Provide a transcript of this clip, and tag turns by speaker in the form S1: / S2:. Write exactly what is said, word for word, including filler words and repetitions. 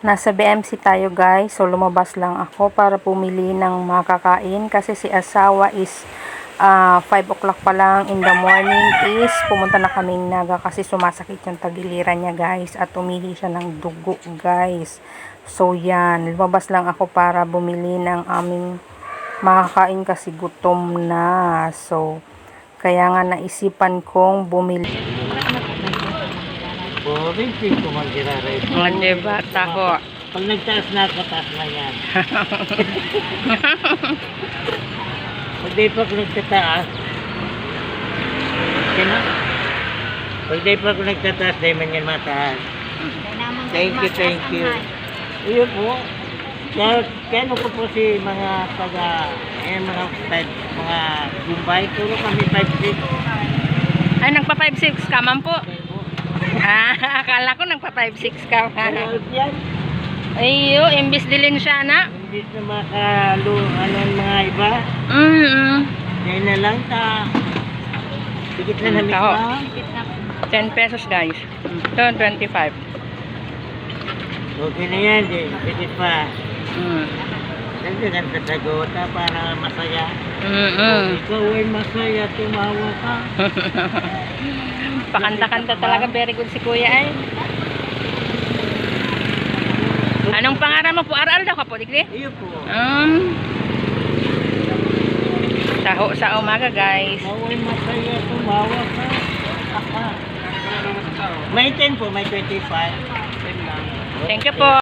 S1: Nasa B M C tayo guys, so lumabas lang ako para pumili ng makakain kasi si asawa is uh, five o'clock pa lang in the morning is pumunta na kaming Naga kasi sumasakit yung tagiliran niya guys at umili siya ng dugo guys. So yan, lumabas lang ako para bumili ng aming makakain kasi gutom na. So kaya nga naisipan kong bumili.
S2: Boring pin ko mag-iraray.
S1: O, diba? Tako.
S2: Pag nagtaas na ako, taas na yan. Pag di pa ako nagtataas, sino? Pag di pa ako nagtataas, di man yan mataas. Thank you, thank you. Iyo po. Kaya, kaya ano ko po si mga taga, eh, mga five, mga Gumbay, puro kami five six.
S1: Ay, nagpa five six ka man po. Ah, akala ko nagpa five six ka.
S2: Ano yan?
S1: Ayo, imbis dilin siya na.
S2: Imbis na makalo, ano mga iba.
S1: Mm -mm.
S2: Yan na lang ta. Tikit na namin
S1: Taho.
S2: pa.
S1: ten pesos guys. Ito, twenty-five.
S2: Okay na yan, di. Tikit pa.
S1: Mm.
S2: Nagdagan sa sagota para masaya.
S1: Mm -mm.
S2: Ikaw ay masaya, tumawa ka.
S1: Pakanta-kanta talaga, very good si kuya ay. Anong pangalan mo po? Aral daw ka po, Digli?
S2: Iyo po.
S1: Um, taho sa umaga guys.
S2: Ikaw ay masaya, tumawa ka. May ten po, may twenty-five.
S1: Thank you po.